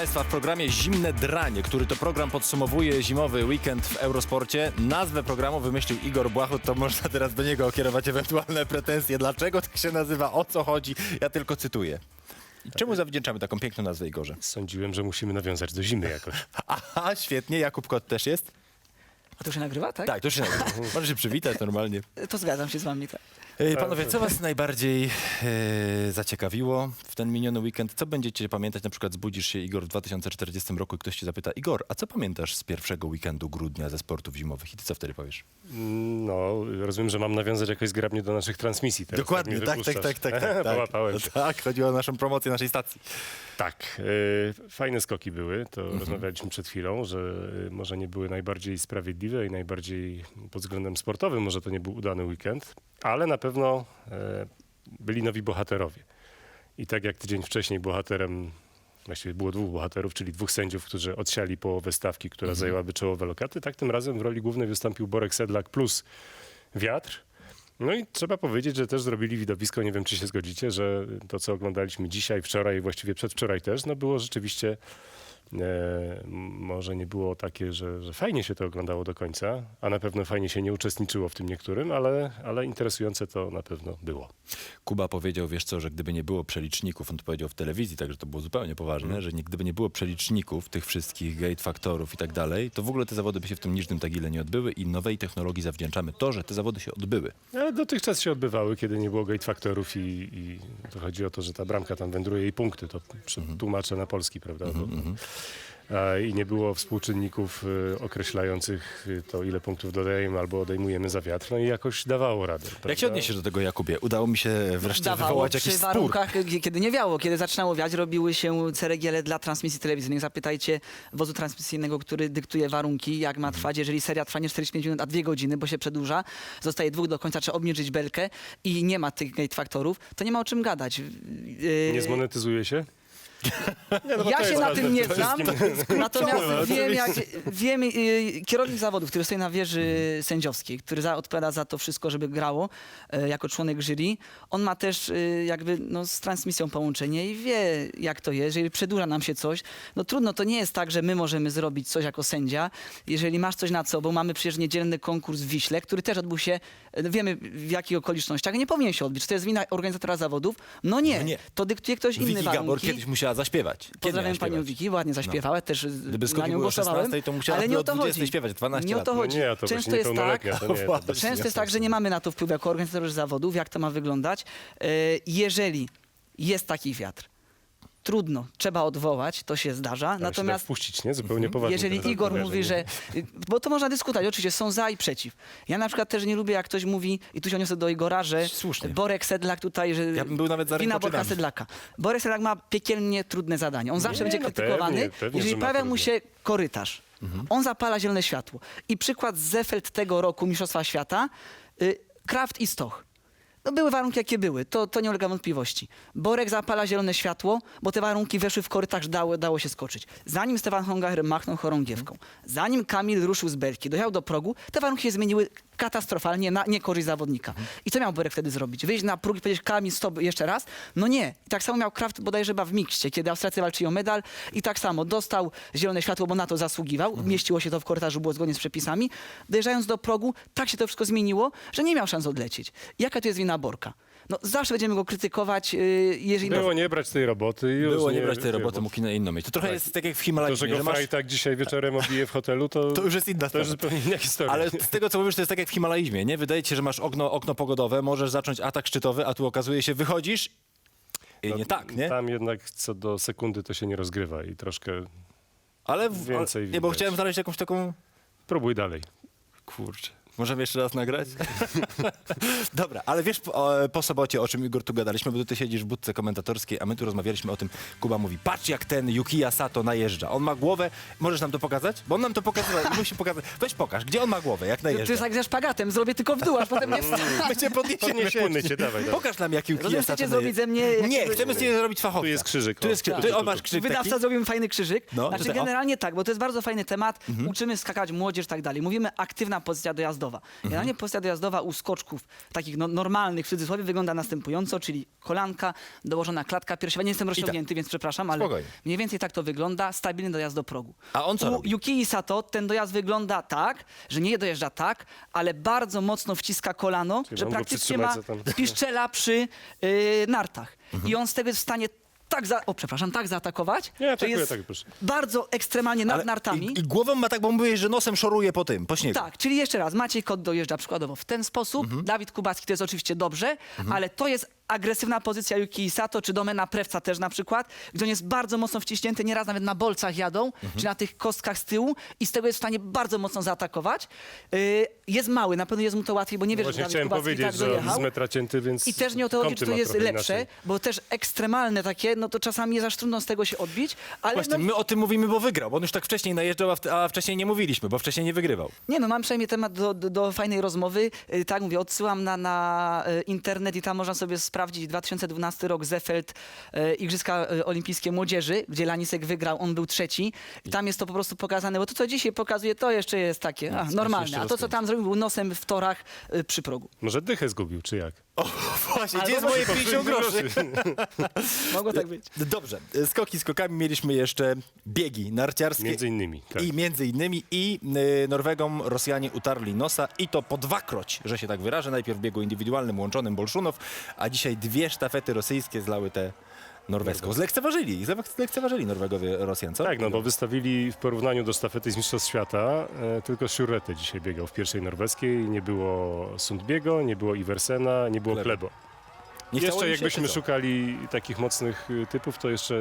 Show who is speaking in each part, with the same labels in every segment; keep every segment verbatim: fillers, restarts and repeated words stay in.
Speaker 1: Państwa w programie Zimne Dranie, który to program podsumowuje zimowy weekend w Eurosporcie. Nazwę programu wymyślił Igor Błachut, to można teraz do niego kierować ewentualne pretensje. Dlaczego tak się nazywa, o co chodzi? Ja tylko cytuję. I czemu zawdzięczamy taką piękną nazwę, Igorze?
Speaker 2: Sądziłem, że musimy nawiązać do zimy jakoś.
Speaker 1: Aha, świetnie. Jakub Kot też jest?
Speaker 3: A to się nagrywa, tak?
Speaker 1: Tak, to się nagrywa. Możesz się przywitać normalnie.
Speaker 3: To zgadzam się z wami, tak.
Speaker 1: E, Panowie, co was najbardziej e, zaciekawiło w ten miniony weekend? Co będziecie pamiętać? Na przykład zbudzisz się, Igor, w dwa tysiące czterdziestym roku i ktoś cię zapyta: Igor, a co pamiętasz z pierwszego weekendu grudnia ze sportów zimowych? I ty co wtedy powiesz?
Speaker 2: No, rozumiem, że mam nawiązać jakoś zgrabnie do naszych transmisji teraz.
Speaker 1: Dokładnie, tak, tak, tak, tak, tak.
Speaker 2: Połapałem
Speaker 1: tak.
Speaker 2: się.
Speaker 1: Tak, chodziło o naszą promocję naszej stacji.
Speaker 2: Tak, y, fajne skoki były, to
Speaker 1: Mhm.
Speaker 2: rozmawialiśmy przed chwilą, że y, może nie były najbardziej sprawiedliwe i najbardziej pod względem sportowym, może to nie był udany weekend, ale na pewno y, byli nowi bohaterowie. I tak jak tydzień wcześniej bohaterem, właściwie było dwóch bohaterów, czyli dwóch sędziów, którzy odsiali połowę stawki, która
Speaker 1: Mhm.
Speaker 2: zajęłaby czołowe lokaty, tak tym razem w roli głównej wystąpił Borek Sedlak plus wiatr. No i trzeba powiedzieć, że też zrobili widowisko, nie wiem czy się zgodzicie, że to co oglądaliśmy dzisiaj, wczoraj i właściwie przedwczoraj też, no było rzeczywiście, e, może nie było takie, że, że fajnie się to oglądało do końca, a na pewno fajnie się nie uczestniczyło w tym niektórym, ale, ale interesujące to na pewno było.
Speaker 1: Kuba powiedział, wiesz co, że gdyby nie było przeliczników, on to powiedział w telewizji, także to było zupełnie poważne, mm. że nie, gdyby nie było przeliczników, tych wszystkich gate faktorów i tak dalej, to w ogóle te zawody by się w tym niżnym Tagile nie odbyły i nowej technologii zawdzięczamy to, że te zawody się odbyły.
Speaker 2: Ale dotychczas się odbywały, kiedy nie było gate faktorów i, i to chodzi o to, że ta bramka tam wędruje i punkty, to mm. tłumaczę na polski, prawda?
Speaker 1: Mm -hmm.
Speaker 2: A, I nie było współczynników y, określających y, to, ile punktów dodajemy albo odejmujemy za wiatr, no i jakoś dawało radę.
Speaker 1: Jak
Speaker 2: prawda?
Speaker 1: się odniesiesz do tego, Jakubie? Udało mi się wreszcie
Speaker 3: Dawało
Speaker 1: wywołać
Speaker 3: przy
Speaker 1: jakiś spór.
Speaker 3: warunkach, kiedy nie wiało, kiedy zaczynało wiać, robiły się ceregiele dla transmisji telewizyjnych. Zapytajcie wozu transmisyjnego, który dyktuje warunki, jak ma trwać. Jeżeli seria trwa nie czterdzieści pięć minut, a dwie godziny, bo się przedłuża, zostaje dwóch do końca, trzeba obniżyć belkę i nie ma tych gate faktorów, to nie ma o czym gadać. Yy...
Speaker 2: Nie zmonetyzuje się?
Speaker 3: Nie, no ja się na tym nie znam, natomiast wiem, jak, wiem y, kierownik zawodów, który stoi na wieży sędziowskiej, który za, odpowiada za to wszystko, żeby grało, y, jako członek jury, on ma też y, jakby no, z transmisją połączenie i wie, jak to jest. Jeżeli przedłuża nam się coś, no trudno, to nie jest tak, że my możemy zrobić coś jako sędzia. Jeżeli masz coś nad sobą, mamy przecież niedzielny konkurs w Wiśle, który też odbył się, wiemy w jakich okolicznościach, nie powinien się odbyć. Czy to jest wina organizatora zawodów? No nie,
Speaker 1: no nie.
Speaker 3: To dyktuje ktoś inny
Speaker 1: Wiki
Speaker 3: warunki.
Speaker 1: Gabor kiedyś musiała zaśpiewać. Kiedy
Speaker 3: Pozdrawiam panią Wiki, ładnie zaśpiewała, no. też
Speaker 1: Gdyby
Speaker 3: na nią
Speaker 1: było
Speaker 3: głosowałem,
Speaker 1: szesnastej, to musiała
Speaker 3: ale nie o to
Speaker 1: dwudziestej
Speaker 3: chodzi.
Speaker 1: śpiewać, dwanaście
Speaker 3: nie o to
Speaker 1: lat.
Speaker 3: chodzi.
Speaker 2: No nie, to
Speaker 3: Często jest tak,
Speaker 2: to nie, to
Speaker 3: często jest tak, że nie mamy na to wpływu jako organizatorzy zawodów, jak to ma wyglądać. Jeżeli jest taki wiatr, trudno, trzeba odwołać, to się zdarza.
Speaker 2: Ale
Speaker 3: natomiast
Speaker 2: się wpuścić, nie? Zupełnie poważnie.
Speaker 3: jeżeli Igor mówi, że... Bo to można dyskutować, oczywiście są za i przeciw. Ja na przykład też nie lubię, jak ktoś mówi, i tu się odniosę do Igora, że
Speaker 1: Słusznie.
Speaker 3: Borek Sedlak tutaj, że
Speaker 1: ja bym był nawet za
Speaker 3: wina
Speaker 1: rękoczynami.
Speaker 3: Borka Sedlaka. Borek Sedlak ma piekielnie trudne zadanie. On zawsze
Speaker 2: Nie,
Speaker 3: będzie
Speaker 2: no
Speaker 3: krytykowany,
Speaker 2: pewnie, pewnie,
Speaker 3: jeżeli
Speaker 2: że ma
Speaker 3: pojawia mu
Speaker 2: trudne.
Speaker 3: się korytarz.
Speaker 1: Mhm.
Speaker 3: On zapala zielone światło. I przykład z Zefeld tego roku Mistrzostwa Świata, y, Kraft i Stoch. No były warunki, jakie były, to, to nie ulega wątpliwości. Borek zapala zielone światło, bo te warunki weszły w korytarz, dało, dało się skoczyć. Zanim Stefan Hongacher machnął chorągiewką, zanim Kamil ruszył z belki, dojechał do progu, te warunki się zmieniły katastrofalnie na niekorzyść zawodnika. I co miał Borek wtedy zrobić? Wyjść na próg i powiedzieć: Kamil, stop, jeszcze raz? No nie. I tak samo miał Kraft bodajże chyba w mikście, kiedy Austriacy walczyli o medal i tak samo dostał zielone światło, bo na to zasługiwał. Mhm. Mieściło się to w korytarzu, było zgodnie z przepisami. Dojeżdżając do progu, tak się to wszystko zmieniło, że nie miał szans odlecieć. Jaka to jest wina Borka? No zawsze będziemy go krytykować, yy, jeżeli...
Speaker 2: Było nie brać tej roboty. I już
Speaker 1: Było nie,
Speaker 2: nie
Speaker 1: brać tej roboty,
Speaker 2: bo-
Speaker 1: mógł na inną mieć. To trochę
Speaker 2: Tak.
Speaker 1: jest tak jak w
Speaker 2: To,
Speaker 1: Himalajach,
Speaker 2: że go
Speaker 1: że masz...
Speaker 2: Fraj tak dzisiaj wieczorem obije w hotelu, to,
Speaker 1: To już jest inna
Speaker 2: to już
Speaker 1: sprawa.
Speaker 2: zupełnie inna historia.
Speaker 1: Ale z tego, co mówisz, to jest tak jak w Himalajzmie, nie? Wydaje ci się, że masz okno, okno pogodowe, możesz zacząć atak szczytowy, a tu okazuje się, wychodzisz i
Speaker 2: No,
Speaker 1: nie tak, nie?
Speaker 2: Tam jednak co do sekundy to się nie rozgrywa i troszkę
Speaker 1: Ale, w,
Speaker 2: więcej
Speaker 1: ale nie, bo
Speaker 2: widać.
Speaker 1: chciałem znaleźć jakąś taką...
Speaker 2: próbuj dalej.
Speaker 1: Kurczę. Możemy jeszcze raz nagrać? Dobra, ale wiesz po, po sobocie, o czym, Igor, tu gadaliśmy, bo ty siedzisz w budce komentatorskiej, a my tu rozmawialiśmy o tym. Kuba mówi: patrz, jak ten Yukiya Sato najeżdża. On ma głowę, możesz nam to pokazać? Bo on nam to pokazywał i musi pokazać. Weź pokaż, gdzie on ma głowę, jak
Speaker 3: To jest
Speaker 1: najeżdża.
Speaker 3: jak ze szpagatem, zrobię tylko w dół, aż potem nie wstanę.
Speaker 1: My cię podniesiemy.
Speaker 2: Podniesiemy cię, dawaj, dawaj.
Speaker 1: Pokaż nam, jak Yukiya
Speaker 3: Rozumiem,
Speaker 1: Sato
Speaker 3: chcecie
Speaker 1: najeżdża.
Speaker 3: zrobić ze mnie
Speaker 1: Nie,
Speaker 3: jakiegoś-
Speaker 1: chcemy z ciebie zrobić fachowca.
Speaker 2: Tu jest krzyżyk,
Speaker 1: Tu
Speaker 2: o.
Speaker 1: jest krzyżyk.
Speaker 2: Tu,
Speaker 1: Ty,
Speaker 2: tu,
Speaker 1: on masz
Speaker 2: tu.
Speaker 1: krzyżyk
Speaker 3: Wydawca
Speaker 1: taki?
Speaker 3: zrobimy fajny krzyżyk.
Speaker 1: No,
Speaker 3: znaczy
Speaker 1: tutaj, o.
Speaker 3: generalnie tak, bo to jest bardzo fajny temat. Uczymy skakać młodzież i tak dalej. Mówimy aktywna pozycja dojazdu dojazdowa. Generalnie pozycja dojazdowa u skoczków takich no, normalnych, w cudzysłowie, wygląda następująco, czyli kolanka, dołożona klatka piersiowa. Nie jestem rozciągnięty, więc przepraszam, ale
Speaker 1: Spokojnie.
Speaker 3: mniej więcej tak to wygląda, stabilny dojazd do progu.
Speaker 1: A on co
Speaker 3: U
Speaker 1: robi?
Speaker 3: Yukii Sato ten dojazd wygląda tak, że nie dojeżdża tak, ale bardzo mocno wciska kolano,
Speaker 2: Czyli
Speaker 3: że
Speaker 2: mam go
Speaker 3: praktycznie ma
Speaker 2: przytrzymać za tam.
Speaker 3: piszczela przy yy, nartach. I on z tego jest w stanie tak, za, o przepraszam, tak zaatakować,
Speaker 2: Nie,
Speaker 3: że
Speaker 2: atakuję,
Speaker 3: jest
Speaker 2: tak, proszę.
Speaker 3: bardzo ekstremalnie nad
Speaker 1: Ale
Speaker 3: nartami.
Speaker 1: I, I głową ma tak, bo mówiłeś, że nosem szoruje po tym, po śniegu.
Speaker 3: Tak, czyli jeszcze raz, Maciej Kot dojeżdża przykładowo w ten sposób, Dawid Kubacki to jest oczywiście dobrze, ale to jest agresywna pozycja Yukii Sato, czy domena Prewca też na przykład, gdzie on jest bardzo mocno wciśnięty, nieraz nawet na bolcach jadą, czy na tych kostkach z tyłu i z tego jest w stanie bardzo mocno zaatakować. Yy, jest mały, na pewno jest mu to łatwiej, bo nie wiesz, że
Speaker 2: Właśnie
Speaker 3: Dawid
Speaker 2: chciałem
Speaker 3: Kubacki
Speaker 2: powiedzieć,
Speaker 3: tak
Speaker 2: że on
Speaker 3: dojechał.
Speaker 2: z metra cięty, więc
Speaker 3: I też nie o to chodzi,
Speaker 2: kąty
Speaker 3: czy to
Speaker 2: ma
Speaker 3: jest
Speaker 2: trochę
Speaker 3: lepsze,
Speaker 2: inaczej.
Speaker 3: bo też ekstremalne takie, no to czasami jest aż trudno z tego się odbić, ale
Speaker 1: Właśnie,
Speaker 3: no,
Speaker 1: my o tym mówimy, bo wygrał, bo on już tak wcześniej najeżdżał, a, w, a wcześniej nie mówiliśmy, bo wcześniej nie wygrywał.
Speaker 3: nie no, mam przynajmniej temat do, do, do fajnej rozmowy. Yy, tak mówię, odsyłam na, na yy, internet i tam można sobie sprawdzić dwa tysiące dwunasty rok Zefeld, yy, Igrzyska yy, Olimpijskie Młodzieży, gdzie Lanisek wygrał, on był trzeci. I tam jest to po prostu pokazane, bo to, co dzisiaj pokazuje, to jeszcze jest takie a,
Speaker 1: jeszcze
Speaker 3: normalne. A to, co
Speaker 1: rozkręci.
Speaker 3: tam zrobił, był nosem w torach yy, przy progu.
Speaker 2: Może dychę zgubił, czy jak?
Speaker 1: O, właśnie,
Speaker 3: Albo
Speaker 1: gdzie jest moje pięćdziesiąt groszy?
Speaker 3: Mogło tak być.
Speaker 1: Dobrze, skoki skokami mieliśmy jeszcze biegi narciarskie.
Speaker 2: Między innymi, tak.
Speaker 1: I między innymi i y, Norwegom Rosjanie utarli nosa i to po dwakroć, że się tak wyrażę. Najpierw w biegu indywidualnym łączonym Bolszunow, a dzisiaj dwie sztafety rosyjskie zlały tę norweską. Zlekceważyli, zlekceważyli Norwegowie Rosjan, co?
Speaker 2: Tak, no bo wystawili w porównaniu do sztafety z Mistrzostw Świata e, tylko Sjurete dzisiaj biegał w pierwszej norweskiej. Nie było Sundbiego, nie było Iversena, nie było
Speaker 1: Klebo.
Speaker 2: Klebo.
Speaker 1: Nie chciało
Speaker 2: Jeszcze
Speaker 1: im się,
Speaker 2: jakbyśmy
Speaker 1: czy co?
Speaker 2: szukali takich mocnych y, typów, to jeszcze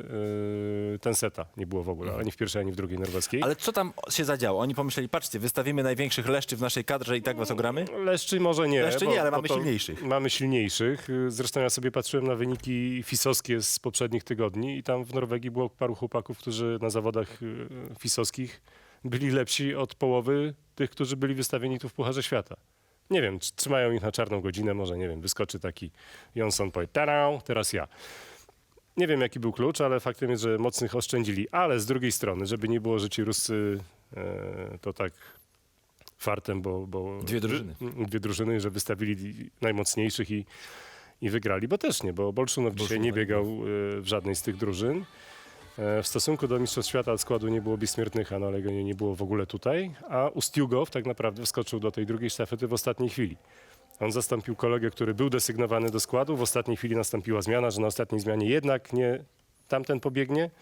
Speaker 2: y, Tenseta nie było w ogóle, ani w pierwszej, ani w drugiej norweskiej.
Speaker 1: Ale co tam się zadziało? Oni pomyśleli, patrzcie, wystawimy największych leszczy w naszej kadrze i tak was ogramy?
Speaker 2: Leszczy może nie.
Speaker 1: Leszczy nie, ale mamy
Speaker 2: to
Speaker 1: silniejszych.
Speaker 2: Mamy silniejszych. Zresztą ja sobie patrzyłem na wyniki fisowskie z poprzednich tygodni i tam w Norwegii było paru chłopaków, którzy na zawodach y, fisowskich byli lepsi od połowy tych, którzy byli wystawieni tu w Pucharze Świata. Nie wiem, czy trzymają ich na czarną godzinę, może, nie wiem, wyskoczy taki Jonsson, powie, tarau, teraz ja. Nie wiem, jaki był klucz, ale faktem jest, że mocnych oszczędzili. Ale z drugiej strony, żeby nie było, że ci Ruscy e, to tak fartem, bo... bo
Speaker 1: Dwie drużyny.
Speaker 2: Wy, dwie drużyny, że wystawili najmocniejszych i, i wygrali, bo też nie, bo Bolszunow dzisiaj nie biegał e, w żadnej z tych drużyn. E, w stosunku do Mistrzostw Świata od składu nie było Bismiertnycha, no ale go nie, nie było w ogóle tutaj, a Ustiugow tak naprawdę wskoczył do tej drugiej sztafety w ostatniej chwili. On zastąpił kolegę, który był desygnowany do składu. W ostatniej chwili nastąpiła zmiana, że na ostatniej zmianie jednak nie tamten pobiegnie.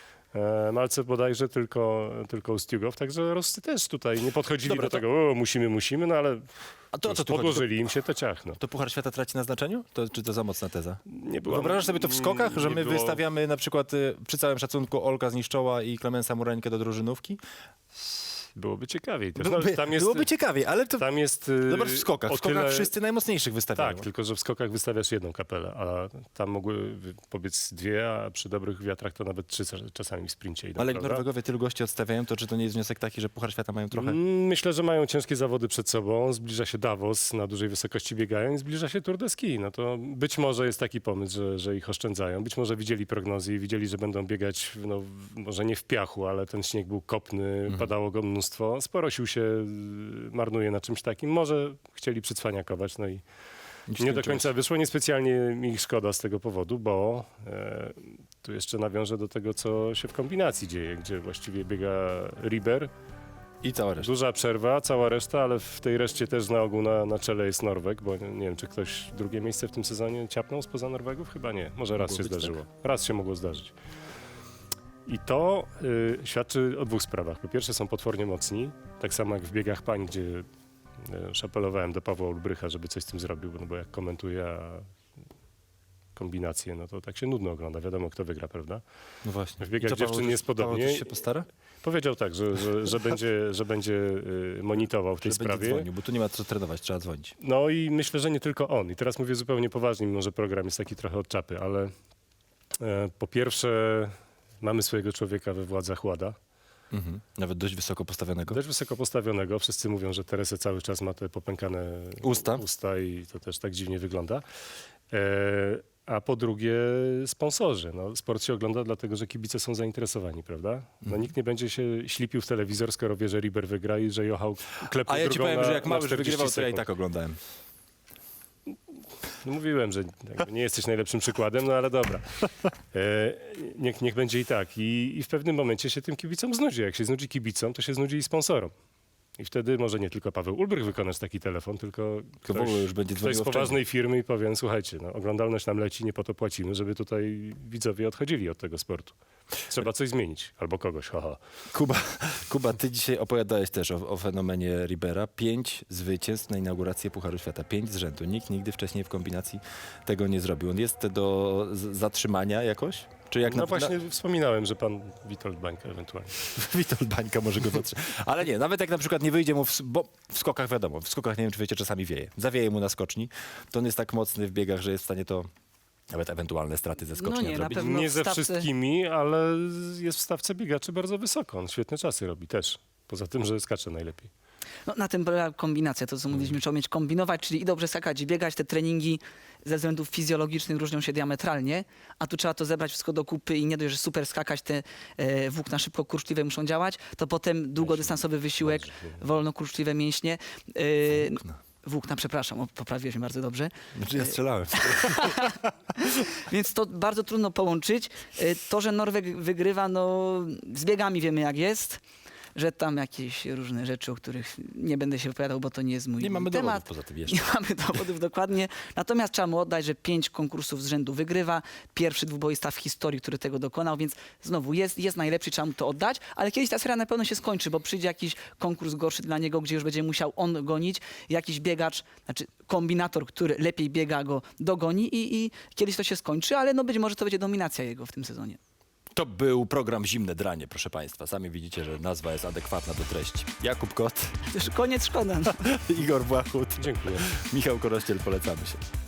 Speaker 2: E, Malce bodajże tylko, tylko Ustiugow. Także Roscy też tutaj nie podchodzili
Speaker 1: Dobra,
Speaker 2: do
Speaker 1: to-
Speaker 2: tego, o, musimy, musimy, no ale
Speaker 1: A to o co tu chodzi?
Speaker 2: podłożyli im się to ciach. No.
Speaker 1: To Puchar Świata traci na znaczeniu? To, czy to za mocna teza?
Speaker 2: Nie było,
Speaker 1: Wyobrażasz sobie to w skokach, że
Speaker 2: nie
Speaker 1: my
Speaker 2: było-
Speaker 1: wystawiamy na przykład y, przy całym szacunku Olka Zniszczoła i Klemensa Mureńkę do drużynówki?
Speaker 2: Byłoby ciekawiej też. No,
Speaker 1: Byłoby,
Speaker 2: tam jest,
Speaker 1: byłoby ciekawiej, ale to...
Speaker 2: tam jest y,
Speaker 1: Zobacz w skokach. W
Speaker 2: o
Speaker 1: skokach
Speaker 2: tyle-
Speaker 1: wszyscy najmocniejszych wystawiają.
Speaker 2: Tak, tylko że w skokach wystawiasz jedną kapelę, a tam mogły wy- pobiec dwie, a przy dobrych wiatrach to nawet trzy czasami w sprincie idą,
Speaker 1: Ale jak
Speaker 2: prawda?
Speaker 1: Norwegowie tylu gości odstawiają, to czy to nie jest wniosek taki, że Puchar Świata mają trochę...
Speaker 2: Mm, Myślę, że mają ciężkie zawody przed sobą. Zbliża się Davos, na dużej wysokości biegają i zbliża się Tour de Ski. No to być może jest taki pomysł, że, że ich oszczędzają. Być może widzieli prognozy i widzieli, że będą biegać, no, w- może nie w piachu, ale ten śnieg był kopny, padało go mnóstwo. Sporo sił się y, marnuje na czymś takim. Może chcieli przycwaniakować, no i nie do końca wyszło. Niespecjalnie mi ich szkoda z tego powodu, bo e, tu jeszcze nawiążę do tego, co się w kombinacji dzieje, gdzie właściwie biega Riber.
Speaker 1: I cała reszta.
Speaker 2: Duża przerwa, cała reszta, ale w tej reszcie też na ogół na, na czele jest Norweg, bo nie, nie wiem, czy ktoś drugie miejsce w tym sezonie ciapnął spoza Norwegów? Chyba nie. Może raz
Speaker 1: Mogło
Speaker 2: się
Speaker 1: być,
Speaker 2: zdarzyło. Raz się mogło zdarzyć. I to y, świadczy o dwóch sprawach. Po pierwsze są potwornie mocni, tak samo jak w biegach pań, gdzie y, szapelowałem do Pawła Ulbrycha, żeby coś z tym zrobił, no bo jak komentuje a kombinacje, no to tak się nudno ogląda. Wiadomo, kto wygra, prawda?
Speaker 1: No właśnie.
Speaker 2: W biegach
Speaker 1: I co, Paweł,
Speaker 2: dziewczyn
Speaker 1: coś-
Speaker 2: jest podobnie.
Speaker 1: Paweł coś się postara?
Speaker 2: Powiedział tak, że, że, że będzie, że będzie y, monitorował w tej
Speaker 1: Że będzie
Speaker 2: sprawie.
Speaker 1: dzwonił, bo tu nie ma co trenować, trzeba dzwonić.
Speaker 2: No i myślę, że nie tylko on. I teraz mówię zupełnie poważnie, mimo że program jest taki trochę od czapy, ale e, po pierwsze mamy swojego człowieka we władzach Łada,
Speaker 1: Mhm. Nawet dość wysoko postawionego.
Speaker 2: dość wysoko postawionego. Wszyscy mówią, że Teresa cały czas ma te popękane
Speaker 1: Usta.
Speaker 2: usta i to też tak dziwnie wygląda. E, a po drugie sponsorzy. No, sport się ogląda dlatego, że kibice są zainteresowani, prawda? No, nikt nie będzie się ślipił w telewizor, skoro wie, że Riber wygra i że Jochał klepie
Speaker 1: A ja ci
Speaker 2: drugą
Speaker 1: powiem,
Speaker 2: na,
Speaker 1: że jak
Speaker 2: na
Speaker 1: Małysz
Speaker 2: czterdzieści
Speaker 1: wygrywał, to ja i
Speaker 2: sekund.
Speaker 1: tak oglądałem.
Speaker 2: No, mówiłem, że jakby nie jesteś najlepszym przykładem, no ale dobra. E, niech, niech będzie i tak. I, I w pewnym momencie się tym kibicom znudzi. Jak się znudzi kibicom, to się znudzi i sponsorom. I wtedy może nie tylko Paweł Ulbrych wykonać taki telefon, tylko
Speaker 1: To w ogóle już będzie
Speaker 2: ktoś z
Speaker 1: dzwoniło
Speaker 2: poważnej firmy i powiem, słuchajcie, no, oglądalność nam leci, nie po to płacimy, żeby tutaj widzowie odchodzili od tego sportu. Trzeba coś zmienić. Albo kogoś, haha.
Speaker 1: Kuba, Kuba, ty dzisiaj opowiadałeś też o, o fenomenie Ribera. Pięć zwycięstw na inaugurację Pucharu Świata. Pięć z rzędu. Nikt nigdy wcześniej w kombinacji tego nie zrobił. On jest do z- zatrzymania jakoś? Czy jak
Speaker 2: No
Speaker 1: na,
Speaker 2: właśnie wspominałem, że pan Witold Bańka ewentualnie.
Speaker 1: na Witold Bańka może go zatrzymać. Ale nie, nawet jak na przykład nie wyjdzie mu, w, s- bo w skokach wiadomo, w skokach nie wiem, czy wiecie, czasami wieje. Zawieje mu na skoczni, to on jest tak mocny w biegach, że jest w stanie to nawet ewentualne straty ze skoczni
Speaker 3: No nie, na
Speaker 1: odrobić.
Speaker 3: pewno
Speaker 2: Nie
Speaker 3: w
Speaker 2: ze
Speaker 3: stawce-
Speaker 2: wszystkimi, ale jest w stawce biegaczy bardzo wysoko. On świetne czasy robi też. Poza tym, że skacze najlepiej.
Speaker 3: No, na tym polega kombinacja, to co mówiliśmy, trzeba umieć kombinować, czyli i dobrze skakać, i biegać. Te treningi ze względów fizjologicznych różnią się diametralnie, a tu trzeba to zebrać wszystko do kupy i nie dość, że super skakać, te e, włókna szybko kurczliwe muszą działać, to potem długodystansowy wysiłek, wolno kurczliwe mięśnie. E,
Speaker 1: Włókna.
Speaker 3: Włókna, przepraszam, o, poprawiłeś mnie bardzo dobrze.
Speaker 1: Znaczy ja strzelałem.
Speaker 3: Więc to bardzo trudno połączyć. E, To, że Norweg wygrywa, no z biegami wiemy jak jest. Że tam jakieś różne rzeczy, o których nie będę się wypowiadał, bo to nie jest mój
Speaker 1: Nie mamy
Speaker 3: temat.
Speaker 1: dowodów poza tym jeszcze.
Speaker 3: Nie mamy dowodów dokładnie. Natomiast trzeba mu oddać, że pięć konkursów z rzędu wygrywa. Pierwszy dwuboista w historii, który tego dokonał, więc znowu jest, jest najlepszy, trzeba mu to oddać. Ale kiedyś ta seria na pewno się skończy, bo przyjdzie jakiś konkurs gorszy dla niego, gdzie już będzie musiał on gonić. Jakiś biegacz, znaczy kombinator, który lepiej biega, go dogoni i, i kiedyś to się skończy, ale no być może to będzie dominacja jego w tym sezonie.
Speaker 1: To był program Zimne Dranie, proszę Państwa. Sami widzicie, że nazwa jest adekwatna do treści. Jakub Kot,
Speaker 3: Już koniec, szkoda. No.
Speaker 1: Igor Błachut,
Speaker 2: Dziękuję.
Speaker 1: Michał Korościel, polecamy się.